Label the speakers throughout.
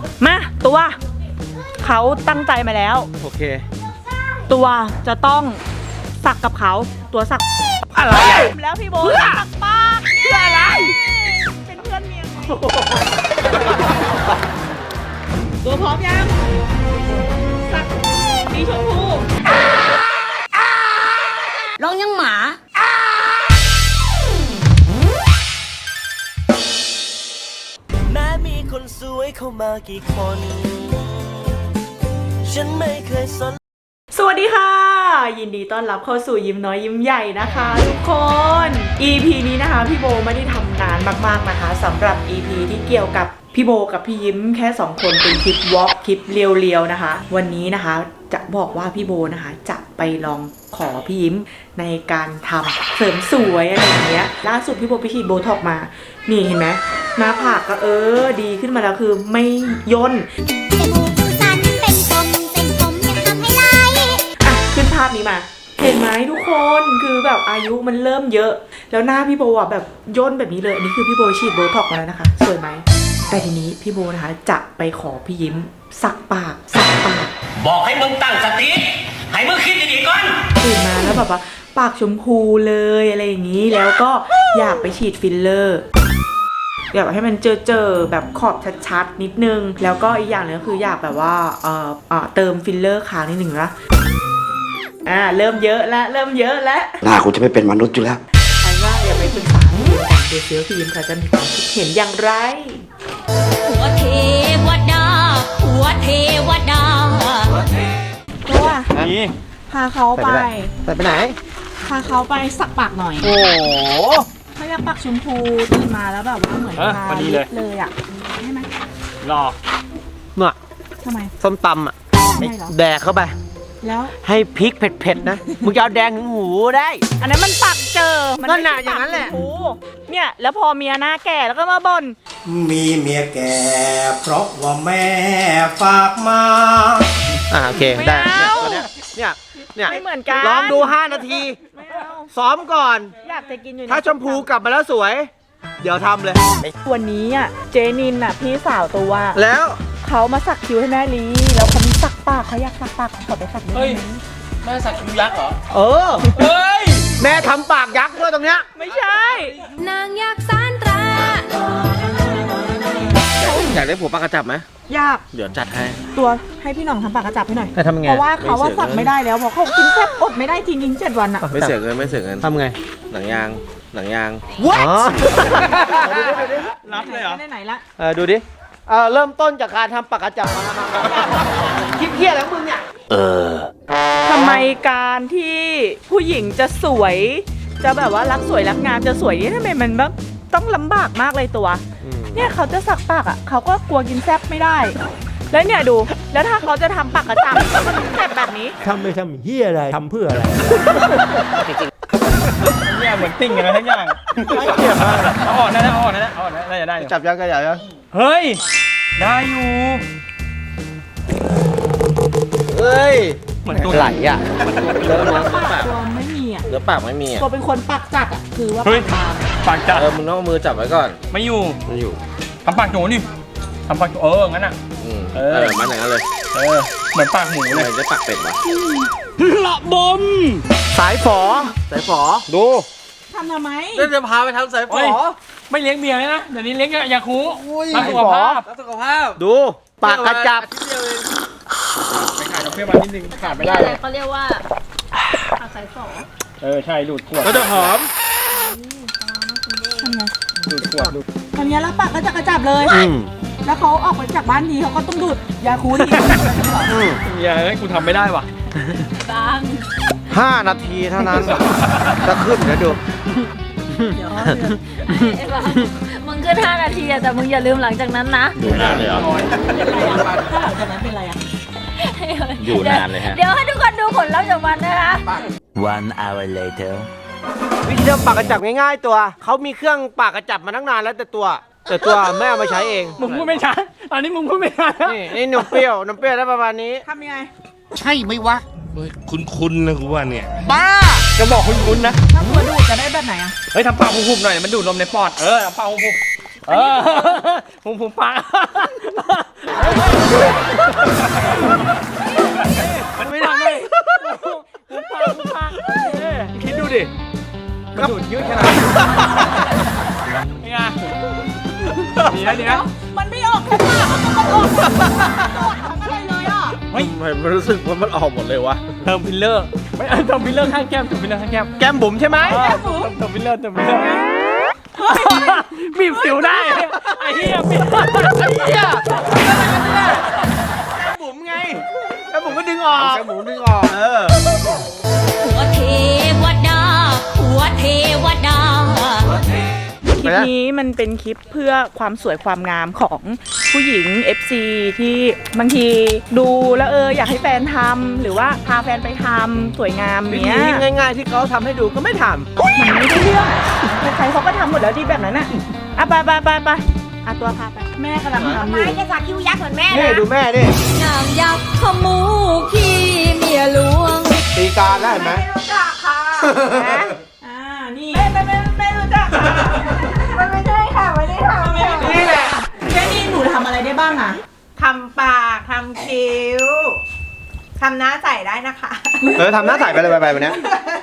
Speaker 1: มาตัวเขาตั้งใจมาแล้ว
Speaker 2: โอเค
Speaker 1: ตัวจะต้องสักกับเขาตัวสัก
Speaker 2: อะไร
Speaker 1: แล้วพี่โบสักปากเพื่ออะไรเป็นเพื่อนเมียตัวพร้อมยังสักสีชมพูร้องยังหมา
Speaker 3: แม้มีคนสวยเข้ามากี่คนฉันไม่เคยสน
Speaker 1: สวัสดีค่ะยินดีต้อนรับเข้าสู่ยิ้มน้อยยิ้มใหญ่นะคะทุกคน EP นี้นะคะพี่โบไม่ได้ทำนานมากๆนะคะสำหรับ EP ที่เกี่ยวกับพี่โบกับพี่ยิ้มแค่2คนเป็นคลิปวอล์กคลิปเรียวๆนะคะวันนี้นะคะจะบอกว่าพี่โบนะคะจะไปลองขอพี่ยิ้มในการทำเสริมสวยอะไรอย่างเงี้ยล่าสุดพี่โบไปฉีดโบท็อกมานี่เห็นไหมหน้าผากก็ดีขึ้นมาแล้วคือไม่ย่นขึ้นภาพนี้มาเห็นไหมทุกคนคือแบบอายุมันเริ่มเยอะแล้วหน้าพี่โบอ่ะแบบย่นแบบนี้เลยอันนี้คือพี่โบฉีดโบท็อกมาแล้วนะคะสวยไหมแต่ทีนี้พี่โบนะคะจะไปขอพี่ยิ้มสักปาก
Speaker 3: บอกให้มึงตั้งสติให้มึงคิดดีๆก่อน
Speaker 1: ตื่นมาแล้วแบบว่าปากชมพูเลยอะไรอย่างนี้แล้วก็อยากไปฉีดฟิลเลอร์อยากให้มันเจอแบบขอบชัดๆนิดนึงแล้วก็อีกอย่างนึงก็คืออยากแบบว่าเติมฟิลเลอร์ค้างนิดนึงนะเริ่มเยอะแล้วหน้ากูจะไม่เป็นมนุษย์อยู่แล้วใครว่าอย่าไปปรึกษาพี่ยิ้มก่อนเดี๋ยวพี่ยิ้มเขาจะมีความคิดเห็นอย่างไร
Speaker 4: หัวเทวดา
Speaker 1: ตัวพาเขาไป
Speaker 2: ไหน
Speaker 1: พาเขาไปสักปากหน่อย
Speaker 2: โอ้
Speaker 1: เขาอยากปากชมพูตื่นมาแล้วแบบว่าเหมือนทาลิปเลยอ่ะใช่ไหม
Speaker 2: รอเนาะ
Speaker 1: ทำไม
Speaker 2: ส้มตำแดกเข้าไป
Speaker 1: แล้ว
Speaker 2: ให้พริกเผ็ดๆนะมึงจะเอาแดงถึงหูได้
Speaker 1: อันนั้นมันปากมัน
Speaker 2: ก็หนาอย่างนั้นแหละ
Speaker 1: เนี่ยแล้วพอเมียหน้าแก่แล้วก็มาบ่น
Speaker 3: มีเมียแก่เพราะว่าแม่ฝากมา
Speaker 2: โอเคได้เนี่ย
Speaker 1: ไม่เหมือนกัน
Speaker 2: ลองดู5 นาทีซ้อมก่อน
Speaker 1: อยากจะกินอยู่
Speaker 2: ถ้าชมพูกลับมาแล้วสวยเดี๋ยวทำเลย
Speaker 1: วันนี้เจนินพี่สาวตัว
Speaker 2: แล้ว
Speaker 1: เขามาสักคิ้วให้แม่ลีแล้วเขามีสักปากเขาอยากสักปากเขาขอไปสักด้วย
Speaker 3: แม่สักคิ้วยักษ์เหรอ
Speaker 2: เฮ้ยแม่ทำปากยักษ์ด้วยตรงเนี้ย
Speaker 1: ไม่ใช่
Speaker 4: นางยักษ์สานตรา
Speaker 2: อยากได้ผัวปากกระจับไหม
Speaker 1: อยาก
Speaker 2: เดี๋ยวจัดให้
Speaker 1: ตัวให้พี่หน่องทำปากกระจับให้หน่อย
Speaker 2: ทำไง
Speaker 1: เพราะว่าเขาว่าสักไม่ได้แล้วเพราะเขากินแค่อดไม่ได้จริงๆ7 วัน
Speaker 2: ไม่เสียเงินทำไงหนังยาง
Speaker 1: What
Speaker 2: รับเลยเหรอ
Speaker 1: ไหนละ
Speaker 2: ดูดิเริ่มต้นจากการทำปากกระจับมาคิดเพี้ยแล้วมึงเนี่ย
Speaker 1: ทำไมการที่ผู้หญิงจะสวยจะแบบว่ารักสวยรักงามจะสวยนี่ทำไมมันแบบต้องลำบากมากเลยตัวเนี่ยเขาจะสักปากเขาก็กลัวกินแซ่บไม่ได้แล้วเนี่ยดูแล้วถ้าเขาจะทำปากกระจับมันต้องเจ็บแบบนี้
Speaker 5: ทำไม่ทำเหี้ยอะไรทำเพื่ออะไร
Speaker 2: เนี่ยเหมือนติ้งกันนะทั้งอย่างเกี่ยวมากเอาอ่อนได้จะได้จับยังก็ใหญ่ยังเฮ้ยได้อยู่เฮ้ยเหมือนตัวไหลเนื้อปาก
Speaker 1: ตัวไม่มี
Speaker 2: เนื้อปากไม่มี
Speaker 1: ตัวเป็นคนปากจัดคือว่า
Speaker 2: ปากจัดมึงต้องเอามือจับไว้ก่อน
Speaker 6: ไม่อยู่ทำปากโหนดิทำปากงั้น
Speaker 2: มันอย่างนั้นเลย
Speaker 6: เหมือนปากหมูเลย
Speaker 2: จะปากเป็ดวะละบมสายฝอดู
Speaker 1: ทำไม
Speaker 2: จะพาไปทำสายฝอ
Speaker 6: ไม่เลี้ยงเมียนะเดี๋ยวนี้เลี้ยงยาคูรักสุขภาพ
Speaker 2: ดูปากกระจับ
Speaker 6: ไปขาดดอกเบี้ยมานิดนึงขาดไม่ได้เลย
Speaker 4: เขาเรียกว่าปากสายฝอ
Speaker 6: ใช่ดูดขวด
Speaker 2: ก็จะหอม
Speaker 6: ดูดขวด
Speaker 1: ทำเนี้ยแล้วปากก็จะกระจับเลยแล้วเขาออกไปจากบ้านทีเขาก็ต้องดูดยาคูที
Speaker 6: อย่าให้กูทำไม่ได้ว่ะ
Speaker 2: 5 นาทีเท่านั้นจะขึ้นเดี๋ยวดู
Speaker 4: มึงขึ้น5 นาทีแต่มึงอย่าลืมหลังจากนั้นนะ
Speaker 2: อยู่นานเลยเหรอ
Speaker 1: ถ้าหลังจากนั้นเป็นไร
Speaker 2: อยู่นานเลยฮะ
Speaker 4: เดี๋ยวให้ทุกคนดูผลลัพธ์จากมันนะคะ
Speaker 3: 1 hour later
Speaker 2: วิธีทำปากกระจับง่ายๆตัวเขามีเครื่องปากกระจับมาตั้งนานแล้วแต่ตัวแม่เอามาใช้เอง
Speaker 6: มึงพูดไม่ชัดตอนนี้มึงพูดไม่ชัด
Speaker 2: นี่นมเปรี้ยวได้ประมาณนี้
Speaker 1: ทำยังไง
Speaker 3: ใช่ไหมวะคุ้นนะกูว่าเนี่ย
Speaker 2: บ้า
Speaker 6: จะบอกคุ้นนะ
Speaker 1: ถ้าตัวดูดจะได้แบบไหน
Speaker 6: เฮ้ยทำปากหุบๆหน่อยมันดูดลมในปอดทำปากหุบหุบปากแล้วดีนะ
Speaker 1: มันไม่ออกแค่ปากมันออกทั้งอะไรเลยอ่ะ
Speaker 2: เฮ้ยมันรู้สึกว่ามันออกหมดเลยวะ
Speaker 6: เติมฟิลเลอร์ไม่เติมฟิลเลอร์ข้างแก้มเติมฟิลเลอร์ข้างแก้ม
Speaker 2: แก้มบุ๋มใช่ไหม
Speaker 6: เติมฟิลเลอร์บีบสิวได้ไอ้เหี้ยบีบ
Speaker 2: เหี้ยแก้มบุ๋มไงแก้มบุ๋มก็ดึงออกแก้มบุ๋มดึงออก
Speaker 4: หัวเทวดาหัวเทวดา
Speaker 1: คลิปนี้มันเป็นคลิปเพื่อความสวยความงามของผู้หญิง FC ที่บางทีดูแล้วอยากให้แฟนทำหรือว่าพาแฟนไปทำสวยงาม
Speaker 2: วิ
Speaker 1: เนี้
Speaker 2: ธี
Speaker 1: ย
Speaker 2: ง่ายๆที่เขาทำให้ดูก็ไม่ท
Speaker 1: มันไม่ได้เรื่องใครๆเขาก็ทำหมดแล้วดีแบบนั้นอ่ะไปตัวพาไปแม่กำลังทำอยู่
Speaker 4: ไม่จะสักคิ้วยักษ์เหมือนแม่
Speaker 2: ำนี่ดูแม่ดิ
Speaker 4: นางยักษ์ขมูขี้เมียหลวง
Speaker 2: ตีการได้ไหม
Speaker 1: รู้จักค่ะนี่ไม่รู้จักค่ะมันไม่ใช่ค่ะไม่ได้ทำนี่แหละแค่นี้หนูทำอะไรได้บ้างอ่ะ
Speaker 7: ทำปากทำคิ้วทำหน้าใสได้นะคะ
Speaker 2: ทำหน้าใสไปเลยไปวันนี้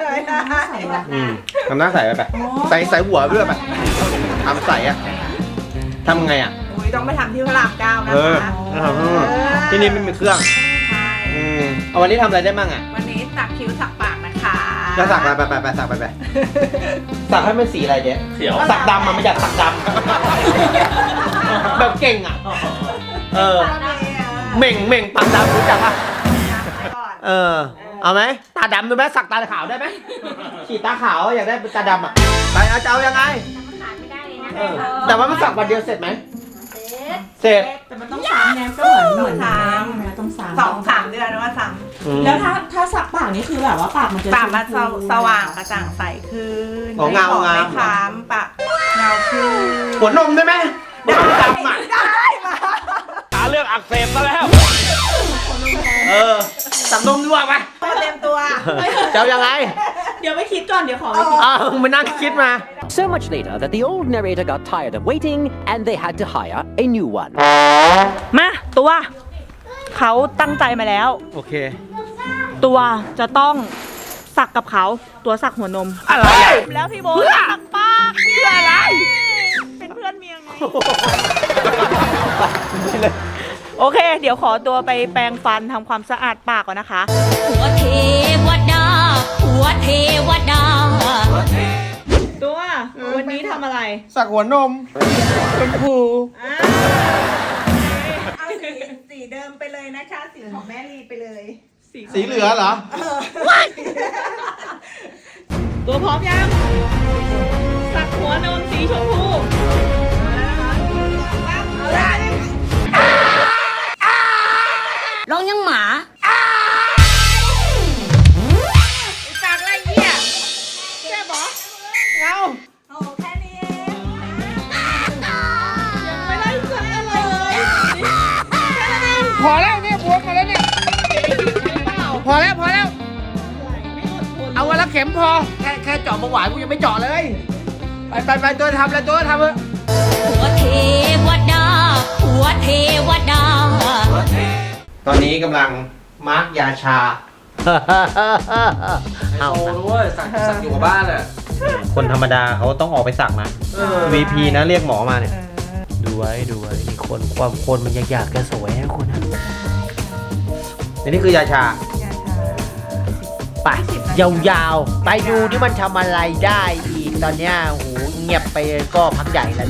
Speaker 2: ทำหน้าใสไปใส่หัวด้วยไปทำใสอะทำไงอะ
Speaker 7: อุ้ยต้องไปทำที่พระราม9นะคะ
Speaker 2: ที่นี่ไม่มีเครื่อง
Speaker 7: ใช่
Speaker 2: เอาวันนี้ทำอะไรได้บ้างอะ
Speaker 7: วันนี้สักคิ้วสักปากนะคะ
Speaker 2: จะสักไปสักไปสักให้มันสีอะไรเจ๊เขียวสักดำมันไม่อยากสักดำแบบเก่งอะเหม่งปากดำรู้จักปะเอาไหมตาดำดูไหมสักตาขาวได้ไหมฉีดตาขาวอยากได้เป็นตาดำอะไปจะเอายังไงแต่ว่ามันสักวันเดียวเสร็จไหมเสร็จ
Speaker 1: แต่มันต้องซ้ำไงก็เหมือนต้องซ้ำ
Speaker 7: 2-3 เดือนว่าซ้ำ
Speaker 1: แล้วถ้าสักปากนี่คือแบบว่าปากมันจะ
Speaker 7: ปากมันสว่างกระจ่างใสขึ้น
Speaker 2: เงา
Speaker 7: ไม่คล้ำปากเงาขึ้น
Speaker 2: หัวนมได้ไหมหัวนมดำอ่ะ
Speaker 7: ได้มา
Speaker 6: หาเรื่องอักเสบซะแล้ว
Speaker 2: สักนมด้วยไป
Speaker 7: เต็มตัว
Speaker 2: จะเอายังไง
Speaker 1: เดี๋ยวไปคิดก่อนเดี๋ยวขอไปคิด
Speaker 2: มานั่งคิดมา
Speaker 8: So much later that the old narrator got tired of waiting and they had to hire a new one.
Speaker 1: มาตัวเขาตั้งใจมาแล้ว
Speaker 2: โอเค
Speaker 1: ตัวจะต้องสักกับเขาตัวสักหัวนม
Speaker 2: อะไรอ่ะ
Speaker 1: แล้วพี่โบสักปากเพื่ออะไร เป็นเพื่อนเมียไง โอเค เดี๋ยวขอตัวไปแปรงฟันทำความสะอาดปากก่อนนะคะ
Speaker 4: หัวเทวดาหัวเทวดา
Speaker 1: ตัววันนี้ทำอะไร
Speaker 2: สักหัวนมชมพู
Speaker 7: เอาสีเดิมไปเลยนะคะ สีของแม่ลีไปเลย
Speaker 2: สีเหลือเหรอ
Speaker 1: ตัวพร้อมยัง สักหัวนมสีชมพู
Speaker 4: ร้องยังหมา
Speaker 7: สักอะไรเนี่ย
Speaker 1: เอา
Speaker 7: โอ้แค่นี้เอง
Speaker 1: ยังไม่ได้สักอะไรเลย
Speaker 6: พอแล้วเนี่ยบวมมาแล้วเนี่ยพอแล้วเอาวันละเข็มพอแค่เจาะเบาหวานกูยังไม่เจาะเลยไปตัวทำเลยตัวทำเลย
Speaker 4: หัวเทวดาหัวเทวดา
Speaker 2: ตอนนี้กำลังมาร์กยาชา เอาด้วยสักอยู่กับบ้านอ่ะคนธรรมดาเขาต้องออกไปสักนะ VP นะเรียกหมอมาเนี่ย
Speaker 5: ดูไว้มีความคนมันอยากจะสวยนะคนนะ
Speaker 2: นี่คือยาชา
Speaker 5: ไปยาวๆ ไปดูที่มันทำอะไรได้อีกตอนเนี้ยโหเงียบไปก็พักใหญ่แล้วนะ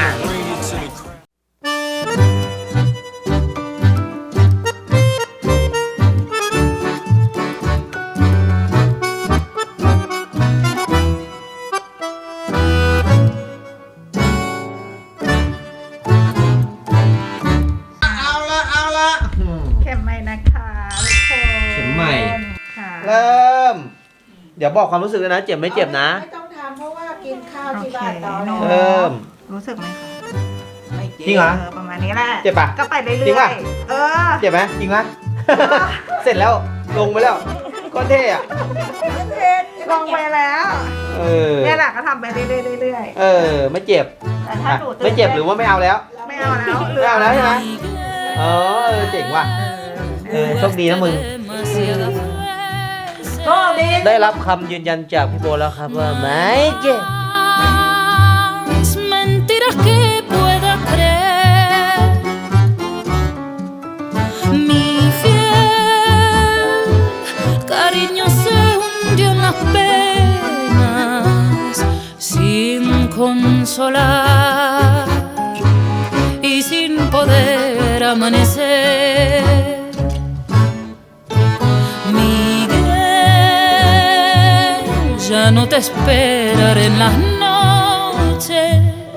Speaker 2: เอาละ
Speaker 7: เข็มใหม่นะคะทุกคน
Speaker 2: เข็มใหม่
Speaker 7: ค่ะ
Speaker 2: เริ่ม เดี๋ยวบอกความรู้สึกเลยนะ เจ็บไม่เจ็บนะ
Speaker 7: ไม่ต้องทำเพราะว่ากินข้าวที่บ้านตอนน
Speaker 2: เริ่ม
Speaker 7: รู้สึกไหมคะ
Speaker 2: จริงเหรอ
Speaker 7: ประมาณนี้แหละ
Speaker 2: เจ็บปะ
Speaker 7: ก็ไปเรื่อยๆ
Speaker 2: จริงปะ
Speaker 7: เ
Speaker 2: เจ็บไหมจริงไหม เสร็จแล้วลงไปแล้วก็เท่อะ
Speaker 7: ลงไปแล้ว
Speaker 2: เนี่ย
Speaker 7: เนี่ยแหละก็ทำไปเรื่อย
Speaker 2: ไม่เจ็บ
Speaker 7: ๆแต่ถ้าหนูตื่น
Speaker 2: ไม่เจ็บหรือว่าไม่เอาแล้ว
Speaker 7: ไม่เอาแล้ว
Speaker 2: ไม่เอาแล้วใช่ไหมเจ๋งว่ะโชคดีนะมึง
Speaker 7: โชคดี
Speaker 5: ได้รับคำยืนยันจากพี่โบแล้วครับว่าไม่เจ็บ
Speaker 4: Mentiras que pueda creer amanecer. Miguel, ya no te esperaré en las noches.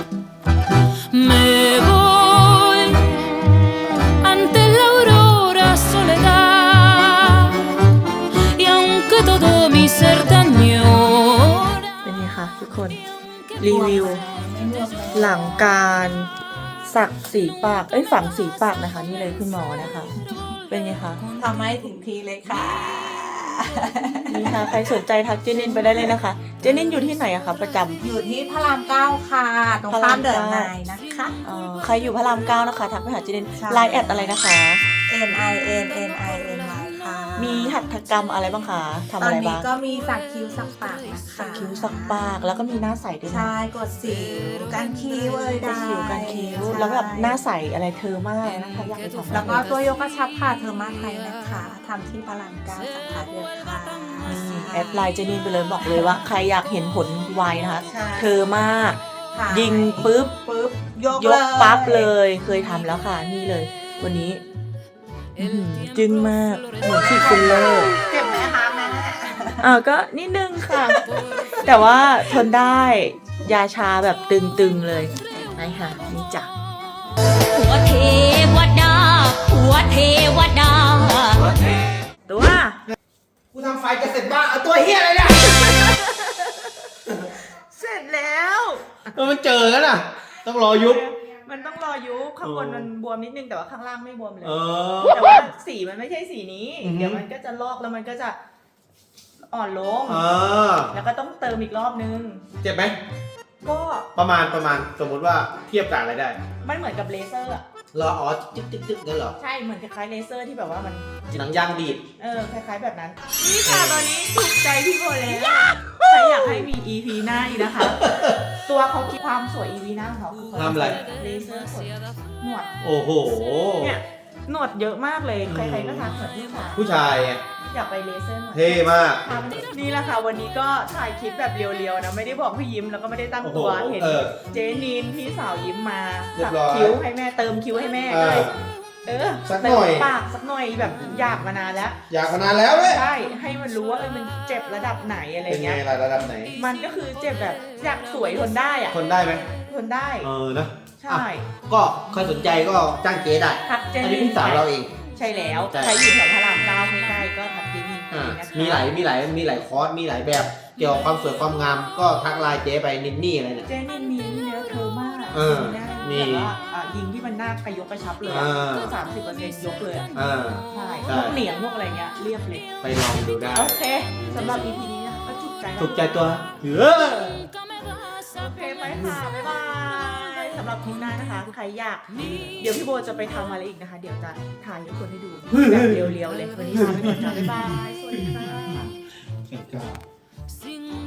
Speaker 4: Me voy ante la aurora soledad. Y aunque todo mi ser te añora.
Speaker 1: เป็นไงคะทุกคน รีวิว หลังการสักสีปาก ฝังสีปากนะคะ นี่เลยคุณหมอนะคะ เป็นไงคะ
Speaker 7: ทำให้ถึงทีเลยค่ะ
Speaker 1: นี่ค่ะ ใครสนใจทักเจนินไปได้เลยนะคะ เจนินอยู่ที่ไหนอะคะประจำ
Speaker 7: อยู่ที่พระราม 9 ค่ะ ตรงข้ามเดินนายนะคะ
Speaker 1: ใครอยู่พระราม 9 นะคะ ทักไปหาเจนิน
Speaker 7: ใช่
Speaker 1: ไลน์แอดอะไรนะคะ
Speaker 7: NINNINY ค่ะ
Speaker 1: มีหัตถกรรมอะไรบ้างคะทำ
Speaker 7: ตอ
Speaker 1: อะ
Speaker 7: น
Speaker 1: ไร
Speaker 7: นี้
Speaker 1: บ้าง
Speaker 7: ก็มีสักคิ้วสักปากนะคะ
Speaker 1: สักคิ้วสักปาก แล้วก็มีหน้าใสด้วยนะ
Speaker 7: ใช่กดสิวการคิ้วเลย
Speaker 1: ได้คิ้วกันคิ้ว แล้วแบบหน้าใสอะไรเธอมากนะคะอยากไปทำ
Speaker 7: แล้วก็ตัวโยกกระชับค่ะเธอมาไทยนะคะทำที่พระราม 9 สาขาเดียวค่ะ
Speaker 1: แอดไลน์เจนินไปเลยบอกเลยว่าใครอยากเห็นผลไวนะคะ
Speaker 7: ใช่
Speaker 1: เธอมาก
Speaker 7: ค่ะ
Speaker 1: ยิงปุ๊บ
Speaker 7: ยก
Speaker 1: ยกปั๊บเลยเคยทำแล้วค่ะนี่เลย วันนี้จึ้งมากเหมือนฉีดฟิลเลอร์
Speaker 7: เจ็บไหมคะแม่
Speaker 1: ก็นิดนึงค่ะ แต่ว่าทนได้ยาชาแบบตึงๆเลยไปค่ะนี่จ้ะ
Speaker 4: หัวเทวดา หัวเทวดา
Speaker 1: ตัว
Speaker 2: กูทำไฟจะเสร็จบ้าเอาตัวเฮียอะไรเนี่ย
Speaker 1: เสร็จแล้ว
Speaker 2: มันเจอแล้วน่ะ ต้องรอยุบ
Speaker 1: มันต้องรอยุบข้างบนมันบวมนิดนึงแต่ว่าข้างล่างไม่บวมเลย
Speaker 2: เออ
Speaker 1: แต่ว่าสีมันไม่ใช่สีนี้
Speaker 2: อือฮึ
Speaker 1: เดี๋ยวมันก็จะลอกแล้วมันก็จะอ่อนลง
Speaker 2: เออ
Speaker 1: แล้วก็ต้องเติมอีกรอบนึง
Speaker 2: เจ็บไหม
Speaker 1: ก็
Speaker 2: ประมาณสมมติว่าเทียบกับอะไรได้
Speaker 1: มันเหมือนกับเลเซอร์อะ
Speaker 2: รออ๋อจึ๊กนั่นเหรอ
Speaker 1: ใช่เหมือนคล้ายๆเลเซอร์ที่แบบว่ามัน
Speaker 2: หนังยางดีด
Speaker 1: คล้ายๆแบบนั้น นี่ค่ะตอนนี้ถูกใจพี่โบแล้วใครอยากให้มี EP หน้าอีกนะคะ ตัวเขาคิดความสวย EP หน้าของเขาคือเขา
Speaker 2: ทำอะไร
Speaker 1: เลเซอร์ขนหนวด
Speaker 2: โอ้โห
Speaker 1: เนี่ยหนวดเยอะมากเลยใครๆก็ทักเหมือนพี่ค่ะ
Speaker 2: ผู้ชายไง
Speaker 1: อยากไปเลเซอร์หนวด
Speaker 2: เท่มาก
Speaker 1: นี่แหละค่ะวันนี้ก็ถ่ายคลิปแบบเรียวๆนะไม่ได้บอกพี่ยิ้มแล้วก็ไม่ได้ตั้งตัว
Speaker 2: โอ้โห
Speaker 1: เห็น
Speaker 2: เออ
Speaker 1: เจนีนพี่สาวยิ้มมา
Speaker 2: เรีย
Speaker 1: สั
Speaker 2: บร้อย
Speaker 1: คิ้วให้แม่เติมคิ้วให้แม่
Speaker 2: เอ
Speaker 1: ก็เล
Speaker 2: อย สักหน่อย
Speaker 1: เติมปากสักหน่อยแบบอยากมานานแล้ว
Speaker 2: อยากมานานแล้วเว้ย
Speaker 1: ใช่ให้มันรู้ว่ามันเจ็บระดับไหนอะไร
Speaker 2: เป็นไง
Speaker 1: เงี้ย
Speaker 2: ล่ะระดับไหน
Speaker 1: มันก็คือเจ็บแบบอยากสวยทนได้อะ
Speaker 2: ทนได้ไหม
Speaker 1: ทนได้
Speaker 2: เออนะ
Speaker 1: ใช่
Speaker 2: ก็ใครสนใจก็จ้างเจ๊ได้
Speaker 1: ทักเจ
Speaker 2: อัน
Speaker 1: นี
Speaker 2: นี้พี่สาวเราเอง
Speaker 1: ใช่แล้ว
Speaker 2: ใช่
Speaker 1: ใครอยู่แถวพระรามเก้าใกล้ๆก็ทักเจนีน
Speaker 2: อ่า
Speaker 1: นะคะ
Speaker 2: มีหลายคอร์สมีหลายแบบ เกี่ยวกับความสวยความงาม ก็ทักไลน์เจ๊ไปนินนี่อะไรเนี่ย
Speaker 1: เจนีนมีเนื้อเธอมาก
Speaker 2: เออ
Speaker 1: มี
Speaker 2: มี
Speaker 1: แบบว่ายิงที่มันหน้ากระยกกระชับเลย 30%ยกเลยอะ
Speaker 2: อ่า
Speaker 1: ใช่
Speaker 2: ใช่
Speaker 1: พวกเหนียงพวกอะไรเงี้ยเรียบเลย
Speaker 2: ไปลองดูได้
Speaker 1: โอเคสำหรับ EP นี้นะคะก็ถูกใจนะ
Speaker 2: ถูกใจตัวเออ
Speaker 1: โอเคไปค่ะ บ๊ายบาย สำหรับคลิปหน้านะคะ ใครอยาก เดี๋ยวพี่โบจะไปทำอะไรอีกนะคะ เดี๋ยวจะถ่ายให้ทุกคนให้ดู แบบเรียวๆเลย วันนี้ลาไปก่อนจ้าบ๊ายบาย สวัสดีค่ะ
Speaker 2: เก่งจ้า